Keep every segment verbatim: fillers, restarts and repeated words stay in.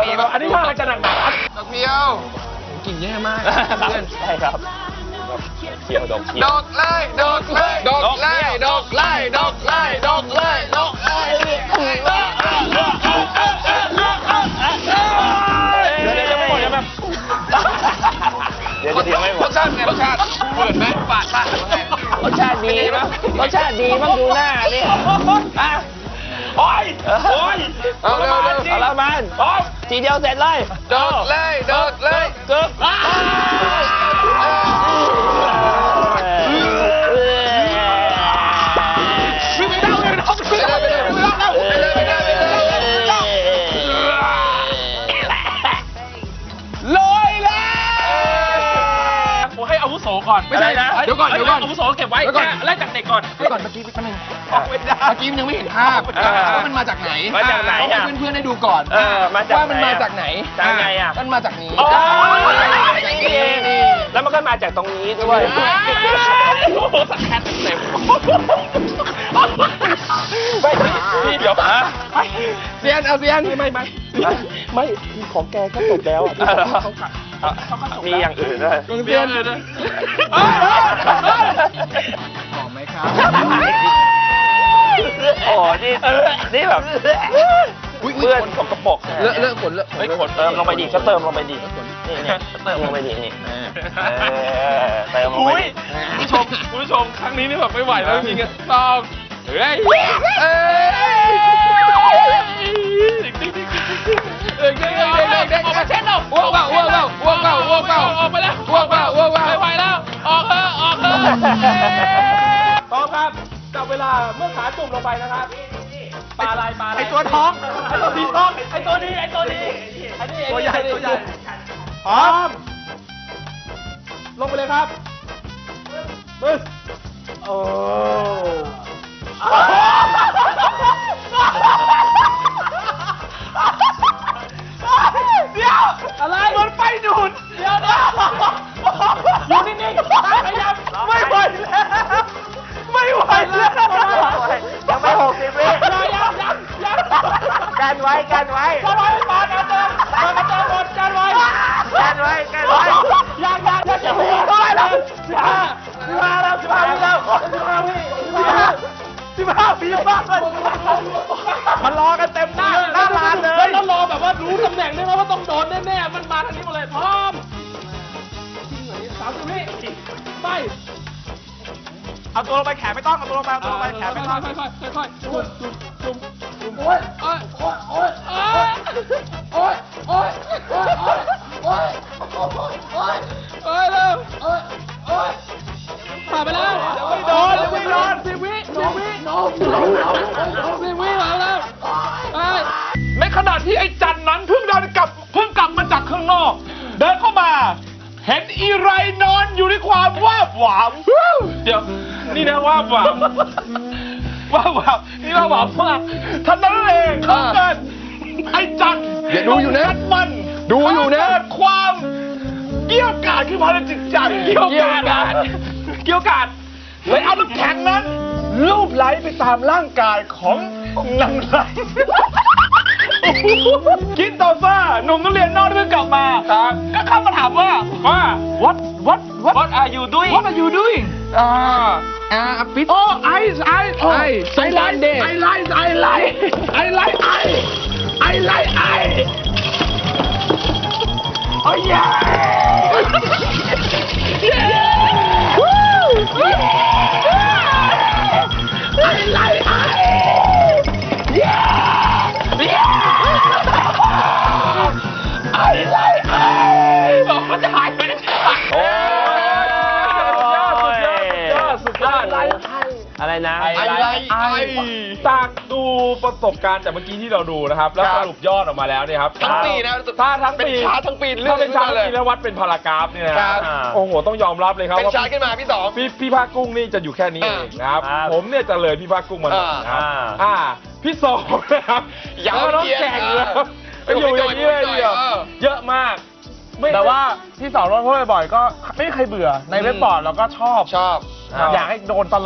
อันนี้ท่าอะไรจะหนักหนักดอกเดียวกลิ่นแย่มากเพื่อนใช่ครับเขียวดอกเขียวดอกไล่ดอกไล่ดอกไล่ดอกไล่ดอกไล่ดอกไล่ดอกไล่เดี๋ยวเดี๋ยวยังไม่หมดยังแบบเดี๋ยวเดี๋ยวไม่หมรดสชาติไงรสชาติเหมือนไหมปาดปาดไงรสชาติดีมั้งรสชาติดีมั้งดูหน้านี่อ่ะโอ้ยโอ้ยเอาเร็วเร็วเอาละมันทีเดียวเสร็จเลยดอกไล่ดอกไล่กึ๊บวิ่งไปแล้วเลยน้องวิ่งไปแล้วไปแล้วไปแล้วไปแล้วไปแล้วลอยแล้วผมให้อาวุโสก่อนไม่ใช่นะเดี๋ยวก่อนเดี๋ยวก่อนอาวุโสเก็บไว้แค่ไล่จากเด็กก่อนเดี๋ยวก่อนเมื่อกี้แป๊บนึงเมื่อกี้ยังไม่เห็นภาพว่ามันมาจากไหนมาจากไหนให้อ่ะเพื่อนๆได้ดูก่อนเออมาจากว่ามันมาจากไหนจากไงอ่ะมันมาจากนี้อ๋อนี่เองแล้วมันก็มาจากตรงนี้ด้วยโอ้โหสักแคทเต็มไม่พี่เดี๋ยวนะเซียนเอาเซียนไม่ไม่ไม่ไม่ของแกก็จบแล้วอ่ะมีอย่างอื่นด้วยกองเซียนเลยนะหอมไหมครับโอ้นี่นี่แบบเพื่อนสกปรกเลอะเลอะขนเลอะไม่ขนเติมลงไปดิก็เติมลงไปดินี่นี่เติมลงไปดินี่เติมลงไปดิคุณผู้ชมคุณผู้ชมครั้งนี้นี่แบบไม่ไหวแล้วจริงๆต้องเฮ้ยเอ้ยเด็กๆเด็กๆเด็กๆออกมาเช็ดเราอ้วกเปล่าอ้วกเปล่าอ้วกเปล่าอ้วกเปล่าออกไปแล้วอ้วกเปล่าอ้วกเปล่าไม่ไหวแล้วออกเถอะออกเถอะพร้อมครับจับเวลาเมื่อขาจุ่มลงไปนะครับปลาอะไรปลาอะไรไอตัวท้องไอตัวดีท้องไอตัวดีไอตัวดีอันนี้ตัวใหญ่ตัวใหญ่พร้อมลงไปเลยครับบึ้งโอ้เดี๋ยวอะไรมันไปดูดเดี๋ยวนะอยู่นิ่งๆพยายามไม่ไหวแล้วไม่ไหวแล้วยังไม่หกสิบวิยังยังยังยังกันไว้กันไว้กันไว้ปาดกันเติมปาดกันเติมหมดกันไว้กันไว้กันไว้ยังยังยังจะไม่ได้แล้วสิบห้าสิบห้าแล้วสิบห้าแล้วสิบห้าวิสิบห้าปีบ้ามันรอกันเต็มหน้าหน้าลานเลยแล้วรอแบบว่ารู้ตำแหน่งได้ไหมว่าต้องโดนแน่ๆมันมาทางนี้หมดเลยพร้อมสามสิบวิไปเอาตัวลงไปแขนไม่ต้องเอาตัวลงไปเอาตัวลงไปแขนไม่ต้องค่อยๆค่อยๆจุ่มจุ่มจุ่มจุ่มโอ๊ยโอ๊ยโอ๊ยโอ๊ยโอ๊ยโอ๊ยโอ๊ยโอ๊ยโอ๊ยโอ๊ยโอ๊ยเร็วโอ๊ยโอ๊ยผ่านไปแล้วไม่โดนไม่โดนสิบวิสิบวิโน้มโน้มโน้มสิบวิมาแล้วในขณะที่ไอ้จันนั้นเพิ่งเดินกลับเพิ่งกลับมาจากข้างนอกเดินเข้ามาเห็นอีไรนอนอยู่ในความว่าหวามเดี๋ยวนี่นะว่าหวามว่าหวามนี่ว่าหวามมากท่านนั้นเองเขาเกิดไอ้จันอย่าดูอยู่นะมันดูอยู่นะเกิดความเกี่ยวกาดขึ้นมาในจิตใจเกี่ยวกาดเกี่ยวกาดเลยเอาน้ำแข็งนั้นลูบไหลไปตามร่างกายของนางไหลคิดต่อฟ้าหนุ่มนักเรียนนอกเพิ่งกลับมาก็เข้ามาถามว่าว่า what what what What are you doing what are you doing อ่าอ่าปิดโอ้ไอไอไอสงกรานต์เดย์ไอไลไอไลไอไลไอไอไลไอโอ้ยเย้เย้วู้ไอไลไอเย้เย้ไอไลไอบอกว่าจะหายไปไหนโอ้สุดยอดอะไรอะไรนะไอไลไอจากดูประสบการณ์จากเมื่อกี้ที่เราดูนะครับแล้วสรุปยอดออกมาแล้วเนี่ยครับทั้งปีนะถ้าทั้งปีเป็นชาร์ตทั้งปีถ้าเป็นชาร์ตทั้งปีแล้ววัดเป็นพารากราฟเนี่ยนะครับโอ้โหต้องยอมรับเลยครับเป็นว่าชาร์ตขึ้นมาพี่สองพี่พี่ภาคกุ้งนี่จะอยู่แค่นี้เองนะครับผมเนี่ยจะเลยพี่ภาคกุ้งมาหน่อยนะครับอ่าพี่สองนะครับอย่าน้องแข่งเลยไปอยู่อย่างนี้เลยเดียวเยอะมากแต่ว่าพี่สองโดนพูดบ่อยๆก็ไม่เคยเบื่อในเว็บบอร์ดเราก็ชอบชอบอยากให้โดนตลอด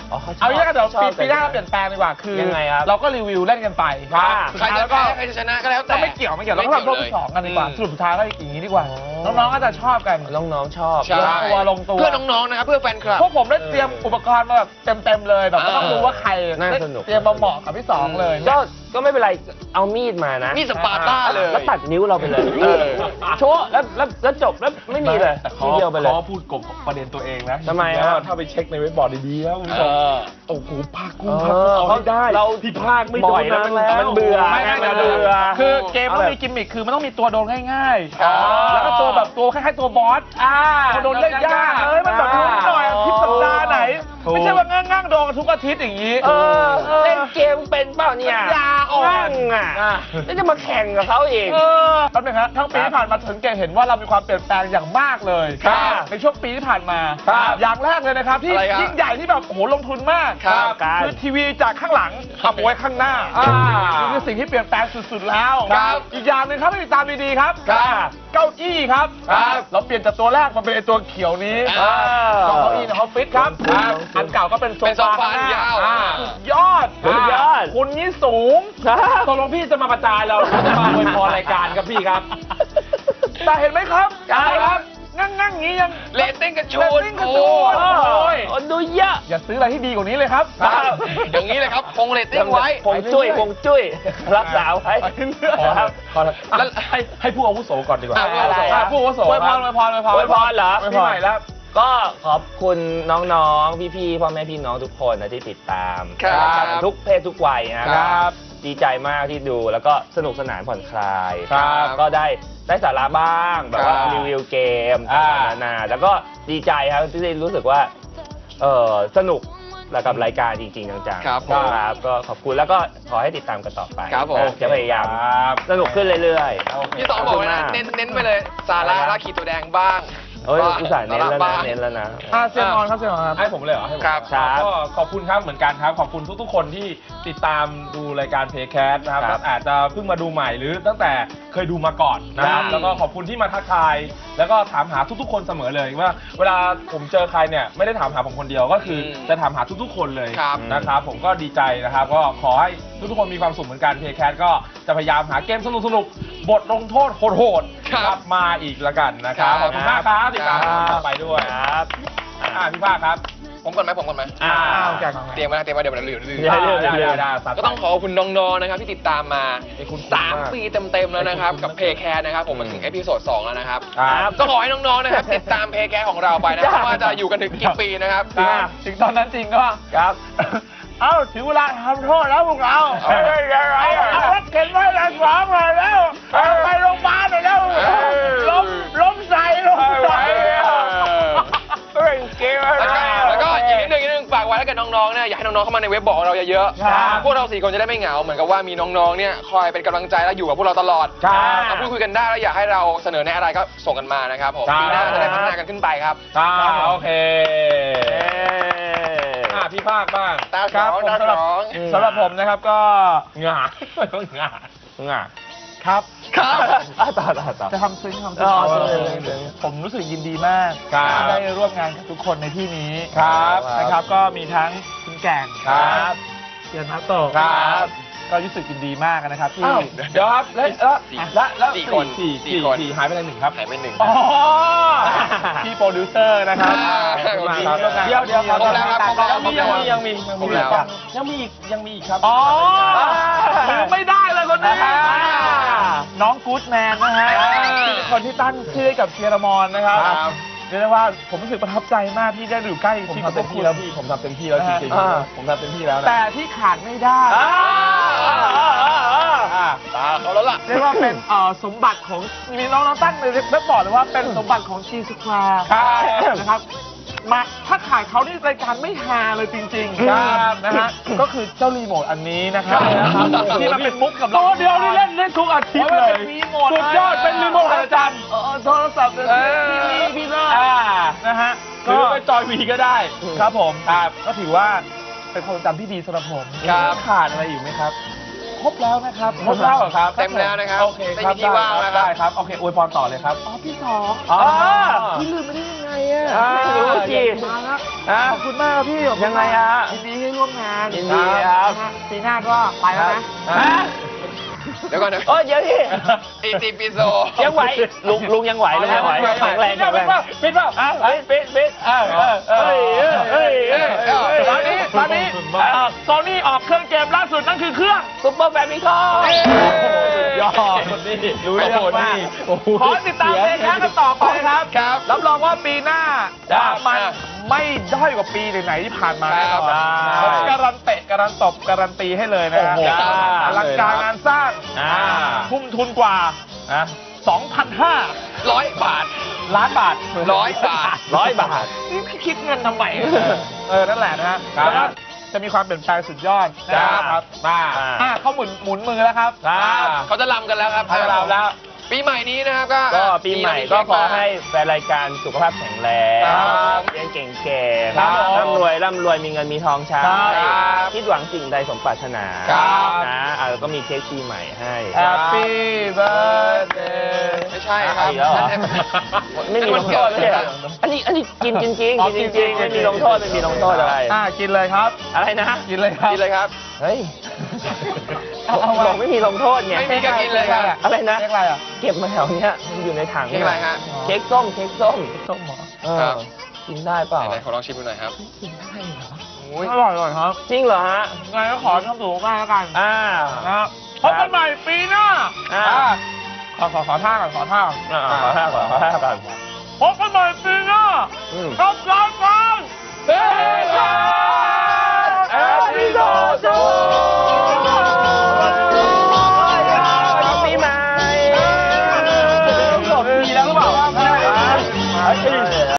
เอาอย่างนี้เดี๋ยวปีปีหน้าเราเปลี่ยนแปลงดีกว่าคือยังไงครับเราก็รีวิวเล่นกันไปใครจะแพ้ใครจะชนะก็แล้วแต่ก็ไม่เกี่ยวไม่เกี่ยวเราก็ทำรอบที่สองกันดีกว่าสรุปสุดท้ายก็อย่างนี้ดีกว่าน้องๆก็จะชอบกันน้องๆชอบใช่ลงตัวลงตัวเพื่อน้องๆนะครับเพื่อแฟนคลับพวกผมได้เตรียมอุปกรณ์มาแบบเต็มๆเลยแบบไม่ต้องรู้ว่าใครน่าสนุกเตรียมมาเหมาะกับพี่สองเลยก็ก็ไม่เป็นไรเอามีดมานะมีสปาร์ต้าเลยแล้วตัดนิ้วเราไปเลยเออโชว์แล้วแล้วแล้วจบแล้วไม่มีเลยแต่ทีเดียวไปเลยเขาพูดกบประเด็นตัวเองนะทำไมจริงๆครัแล้วบถ้าไปเช็คในเว็บบอร์ดดีๆแล้วคุณผู้ชมเออโอ้โหภาคกุ้งเอภาคกุ้งอเอาไม่ได้เราที่ภาคไม่โดบ่อน ยแล้วนานมันแล้วมันเบื่อไม่ไม่มันเบื่เบื่ออคือเกมเอามันแบบมีกิมมิคคือมันต้องมีตัวโดนง่ายๆอ๋อแล้วก็ตัวแบบตัวคล้ายๆตัวบอสอ่าตัวโดนเล่นยากเอ้ยมันแบบลุ้นหน่อยอาทิตย์สัปดาห์ไหน ไม่ใช่ว่าง่างๆโดนทุกอาทิตย์อย่างนี้เออเล่นเกมเป็นเปล่าเนี่ยยาอ่อนนั่งอ่ะแล้วจะมาแข่งกับเขาเองเออแป๊บนึงครับทั้งปีที่ผ่านมาถึงแกเห็นว่าเรามีความเปลี่ยนแปลงอย่างมากเลยครับในช่วงปีที่ผ่านมาครับอย่างแรกเลยนะครับที่อะไรครับยิ่งใหญ่ที่แบบโอ้โหลงทุนมากครับคือทีวีจากข้างหลังขับไว้ข้างหน้าอ่านี่คือสิ่งที่เปลี่ยนแปลงสุดๆแล้วครับอีกอย่างหนึ่งครับให้ติดตามดีๆครับครับเก้าอี้ครับครับเราเปลี่ยนจากตัวแรกมาเป็นไอ้ตัวเขียวนี้อ่าเก้าอี้ในออฟฟิศครับครับอันเก่าก็เป็นโซเป็นโซฟาฟาข้างหน้ยาวอ่สุดยอดสุดยอดคุณนี่สูงครับตกลงพี่จะมาประจานเราจะมาอวยพรรายการครับพี่ครับ แต่เห็นไหมครับครับงั้งงั้งๆอย่างนี้ยังเรตติ้งกระชูเรดตติ้งกระโอ้ชูดยโอ้ยโอ้ดูเยอะอย่าซื้ออะไรที่ดีกว่านี้เลยครับอย่างนี้เลยครับคงเรตติ้งไว้คงจุ้ยคงจุ้ยรักษาไว้ไปเรื่อยๆครับแล้วให้ให้ผู้อาวุโสก่อนดีกว่าอ่ะผู้อาวุโสอ่ะผู้อาวุโสอวยพรอวยพรอวยพรอวยพรเหรอปีใหม่แล้วก็ขอบคุณน้องๆ พี่ๆ พ่อแม่พี่น้องทุกคนนะที่ติดตามครับทุกเพศทุกวัยนะคครัรับ บ ดีใจมากที่ดูแล้วก็สนุกสนานผ่อนคลายครับก็ได้ได้สาระบ้างแบบว่าครับรีวิวเกมอ่าต่างๆนานาแล้วก็ดีใจครับที่ได้รู้สึกว่าเออสนุกแล้วกับรายการจริงๆจังๆครับผมครับก็ขอบคุณแล้วก็ขอให้ติดตามกันต่อไปครับผมจะพยายามครับสนุกขึ้นเรื่อยๆพี่สองบอกว่านะเน้นเน้นไปเลยสาระราขีตัวแดงบ้างเอ้ยอุตส่าห์เน้นแล้วบ้านะงเน้นแล้วนะอ่ะเซียนออนครับเซียนออนครับให้ผมเลยเหรอให้ผมครับครับก็ขอบคุณครับเหมือนกันครับ ขอบคุณทุกๆ คนที่ติดตามดูรายการเพย์แคสนะครับครับตั้งอาจจะเพิ่งมาดูใหม่หรือตั้งแต่เคยดูมาก่อนนะครับครับแล้วก็ขอบคุณที่มาทักทาย แล้วก็ถามหาทุกๆ คนเสมอเลยว่าเวลาผมเจอใครเนี่ยไม่ได้ถามหาผมคนเดียวก็คืออมจะถามหาทุกๆ คนเลยครับนะครับผมก็ดีใจนะครับก็ขอให้ทุกๆ คนมีความสุขเหมือนกันเพย์แคสก็จะพยายามหาเกมสนุกๆบทลงโทษโหดๆครับมาอีกละกันนะครับครับขอบคุณมากครับติดตามครับต่อไปด้วยครับอ่าพี่ภาคครับผมก่อนไหมผมก่อนไหมอ่าเอาแกะก่อนเตรียมมาเตรียมมาเดี๋ยวมันลืมลืมได้เลยได้เลยได้ได้ก็ต้องขอบคุณน้องๆนะครับที่ติดตามมาขอบคุณสามมากปีเต็มๆแล้วนะครับ กับขอบเพคุณย์แคร์นะครับผมมาถึงเอพิโซดสองแล้วนะครับครับก็ขอให้น้องๆนะครับติดตามเพย์แคร์ของเราไปนะครับว่าจะอยู่กันถึงกี่ปีนะครับอ่ะถึงตอนนั้นจริงก็ครับเอ้าถึงเวลาทำโทษแล้วพวกเราเอ้ยยังไงเอาอ่ะเอารถเข็นไว้หลังสองหน่อยแล้วเอาไปโรงพยาบาลหน่อยแล้วเออล้มล้มใส่ล้มใส่เล่นเกมอะไรแล้วก็แล้วก็อีกนิดนึงอีกนิดนึงฝากไว้ถ้าเกิดน้องๆเนี่ยอยากให้น้องๆเข้ามาในเว็บบอกเราเยอะครับๆพวกเราสี่คนจะได้ไม่เหงาเหมือนกับว่ามีน้องๆเนี่ยคอยเป็นกำลังใจและอยู่กับพวกเราตลอดครับมาพูดคุยกันได้แล้วอยากให้เราเสนอในอะไรก็ส่งกันมานะครับผมครับปีหน้าจะได้พัฒนากันขึ้นไปครับครับโอเคเอ้ยอ่ะพี่ภาคบ้างตาสครัอบ งผมตาสำหสรับองสำหรับผมนะครับก็งาต้องงาง่ะครับครับอ่ะต่อต่อต่อจะทำซึ้งทำซึ้งอ๋อเอาซึ้งเลยซึ้งผมรู้สึกยินดีมากครับที่ได้ร่วมงานกับทุกคนในที่นี้ครับนะครับ ก็มีทั้งคุณแก่งครับเซียนนัตโตะครับก็รู้สึกยินดีมากนะครับที่อ้าวเดี๋ยวครับแล้วแล้วสี่แล้วแล้วสี่คนสี่สี่สี่คนสี่หายไปไหนหนึ่งครับหายไปหนึ่งอ๋อพี่โปรดิวเซอร์นะครับอ่าขอบคุณมากครับขอบคุณเดี๋ยวเดี๋ยวครบแล้วครับครบแล้วยังมียังมียังมีครบแล้วยังมีอีกยังมีอีกครับอ๋ออ่าลืมไม่ได้เลยคนนี้อ่าน้องกู๊ดแมนนะฮะอ่าที่เป็นคนที่ตั้งชื่อให้กับเชียร์มอนนะครับครับเรียกได้ว่าผมรู้สึกประทับใจมากที่ได้อยู่ใกล้ผมชิดทำกับพเต็วมกที่คุณแล้วพี่ผมทำเต็มที่แล้วจริงอ่าๆผมทำเต็มที่แล้วนะแต่ที่ขาดไม่ได้อ่าอ่าอ่าอ่าตาเขาแล้วล่ะเรียกว่าเป็นเอ่อสมบัติของมีน้องๆตั้งเลยเว็บบอกเลยว่าเป็นสมบัติของจีสควาครับนะครับมาถ้าขายเขานี่รายการไม่ฮาเลยจริงๆครับนะฮะก็คือเจ้ารีโมทอันนี้นะครับใช่ครับที่มันเป็นมุกกับตัวเดียวนี่เล่นเล่นทุกอาทิตย์เลยเป็นรีโมทสุดยอดเป็นรีโมทอาจารย์เออโทรศัพท์เป็นเออทีวีพี่เลิศอ่านะฮะหรือไปจอยวีก็ได้ครับผมครับก็ถือว่าเป็นความจำที่ดีสำหรับผมครับขาดอะไรอยู่ไหมครับคครบแล้วนะครับครบแล้วเหรอครับเต็มแล้วนะครับโอเคครับไม่มีที่ว่างแล้วครับได้ครับโอเคอวยพรต่อเลยครับอ๋อพี่สองอ๋อพี่ลืมไม่ได้ยังไงอ่ะอ่ารู้สิมาแล้วอ่ะขอบคุณมากครับพี่ขอบคุณยังไงฮะยินดีที่ร่วมงานยินดีครับนะฮะปีหน้าก็ไปแล้วนะฮะเดี๋ยวก่อนนะโอ้ยเดี๋ยวพี่อีติปิโสยังไหวลุงลุงยังไหวลุงยังไหวแข็งแรงแข็งแรงปิดเปล่าอ่ะปิดปิดปิดเออเออเออเฮ้ยเฮ้ยเฮ้ยเฮ้ยตอนนี้ตอนนี้โซนี่ออกเครื่องเกมล่าสุดนั่นคือเครื่องซุปเปอร์แฟมิคอมยอดนี่รู้เรื่องมากขอติดตามเพลงกันต่อไปครับครับรับรองว่าปีหน้าจ้ะมันไม่ด้อยกว่าปีไหนๆที่ผ่านมาแน่นอนครับผมการันเตะการันตบการันตีให้เลยนะโอ้โหจ้ะอลังการงานสร้างอ่าทุ่มทุนกว่าอ่ะสองพันห้าร้อยบาทล้านบาทร้อยบาทร้อยบาทนี่คิดเงินทำไมเออ นั่นแหละนะฮะครับแล้วก็จะมีความเปลี่ยนแปลงสุดยอดจ้านะครับมาอ่าอ่าเขาหมุนหมุนมือแล้วครับครับเขาจะลำกันแล้วครับให้เราแล้วปีใหม่นี้นะครับก็ก็ปีใหม่ก็ขอให้แฟนรายการสุขภาพแข็งแรงครับเรียนเก่งๆครับผมร่ำรวยร่ำรวยมีเงินมีทองใช้ครับคิดหวังสิ่งใดสมปรารถนาครับนะอ่ะแล้วก็มีเค้กปีใหม่ให้ Happy birthday ไม่ใช่ครับอีกแล้วเหรอ ไม่มีลงโทษเลยอะอันนี้อันนี้กินจริงอ๋อๆกินจกิรินงจริงๆไม่มีลงโทษไม่มีลงโทษอะไรอ่ากินเลยครับอะไรนะกินเลยครับกินเลยครับเฮ้ยเอาเอาบอกไม่มีลงโทษไงไม่มีก็กินเลยครับอะไรนะเรียกอะไรอ่ะเก็บมาแถวเนี้ยมันอยู่ในถังเค้กอะไรฮะเค้กส้มเค้กส้มส้มเหรอเออครับกินได้เปล่าไหนๆขอลองชิมดูหน่อยครับกินได้เหรอโอ้ยอร่อยอร่อยครับจริงเหรอฮะไงก็ขอทำถูกมากแล้วกันอ่านะครับพบกันใหม่ปีหน้าอ่าอ่าขอขอขอท่าก่อนขอท่าก่อนอ่าขอท่าก่อนขอท่าก่อนพบกันใหม่ปีหน้าอืมกับรายการ